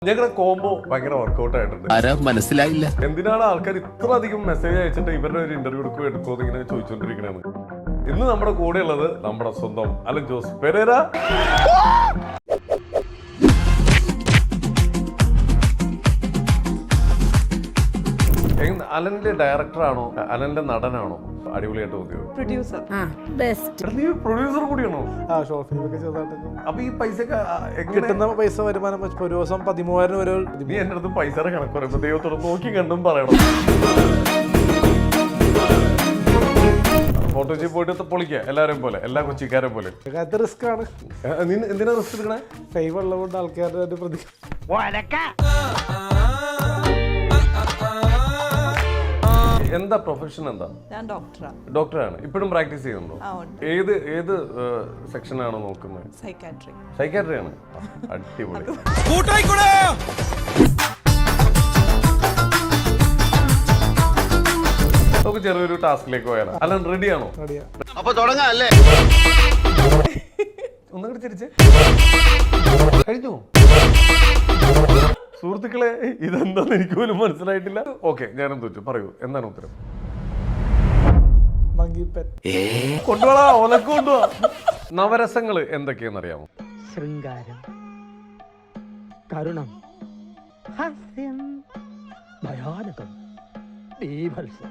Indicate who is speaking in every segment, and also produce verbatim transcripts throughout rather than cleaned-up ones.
Speaker 1: ഞങ്ങളുടെ കോംബോ ഭയങ്കര വർക്ക്ഔട്ട് ആയിട്ടുണ്ട്.
Speaker 2: മനസ്സിലായില്ല
Speaker 1: എന്തിനാണ് ആൾക്കാർ ഇത്ര അധികം മെസ്സേജ് അയച്ചിട്ട് ഇവരുടെ ഒരു ഇന്റർവ്യൂ എടുക്കുകയോ എടുക്കുമോ എന്ന് ഇങ്ങനെ ചോദിച്ചുകൊണ്ടിരിക്കണേന്ന്. ഇന്ന് നമ്മുടെ കൂടെ ഉള്ളത് നമ്മുടെ സ്വന്തം അലൻ ജോസ് പെരേര. അലന്റെ ഡയറക്ടറാണോ അലന്റെ നടനാണോ അടിപൊളിയായിട്ട് തോന്നിയോ?
Speaker 3: പ്രൊഡ്യൂസർ
Speaker 1: നീ പ്രൊഡ്യൂസർ കൂടിയാണോ? അപ്പൊ ഈ പൈസ
Speaker 4: കിട്ടുന്ന പൈസ വരുമാനം വെച്ച് ഒരു ദിവസം പതിമൂവായിരം വരെ.
Speaker 1: നീ എന്റെ അടുത്ത് പൈസയുടെ കണക്ക് പറയുമ്പോ ദൈവത്തോട് നോക്കി കണ്ടും പറയണം. ഫോട്ടോജി പോയിട്ട് പൊളിക്കുക എല്ലാവരും പോലെ, എല്ലാ കൊച്ചിക്കാരെ പോലെ.
Speaker 4: അത് റിസ്ക് ആണ്.
Speaker 1: നീ എന്തിനാ റിസ്ക് എടുക്കണേ?
Speaker 4: ഫൈവ് ഉള്ളതുകൊണ്ട് ആൾക്കാരുടെ പ്രതി
Speaker 1: എന്താ പ്രൊഫഷൻ എന്താ?
Speaker 3: ഞാൻ ഡോക്ടറാണ്.
Speaker 1: ഡോക്ടറാണ്. ഇപ്പോഴും പ്രാക്ടീസ് ചെയ്യുന്നുണ്ടോ? ഏത് ഏത് സെക്ഷനാണോ നോക്കുന്നത്?
Speaker 3: സൈക്കാട്രി.
Speaker 1: സൈക്കാട്രി ആണ്. അടിപൊളി. നമുക്ക് ചെറിയൊരു ടാസ്കിലേക്ക് പോയാലോ? അല്ല റെഡിയാണോ?
Speaker 2: അപ്പൊ തുടങ്ങാല്ലേ?
Speaker 1: ഒന്നുകൂടി തിരിച്ച് കഴിഞ്ഞു. സുഹൃത്തുക്കളെ, ഇതെന്താന്ന് എനിക്ക് പോലും മനസ്സിലായിട്ടില്ല. ഓക്കെ, ഞാനും തോറ്റു. പറയൂ, എന്താണ് ഉത്തരം? കൊണ്ടുപോടാ, ഒലക്ക് കൊണ്ടുപോവാ. നവരസങ്ങള് എന്തൊക്കെയാന്ന് അറിയാമോ?
Speaker 5: ശൃംഗാരം, കരുണം, ഹാസ്യം, ഭയാനകം, ബീഭത്സം.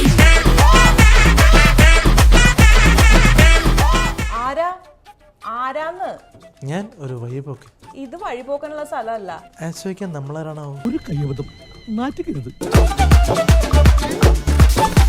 Speaker 3: ആരാ ആരാന്ന്?
Speaker 4: ഞാൻ ഒരു വഴിപോക്ക്.
Speaker 3: ഇത് വഴിപോക്കാനുള്ള സ്ഥലമല്ല.
Speaker 4: ആശ്രയിക്കാൻ നമ്മളാരാണോ?
Speaker 5: ഒരു കയ്യബദ്ധം നാറ്റിക്കരുത്.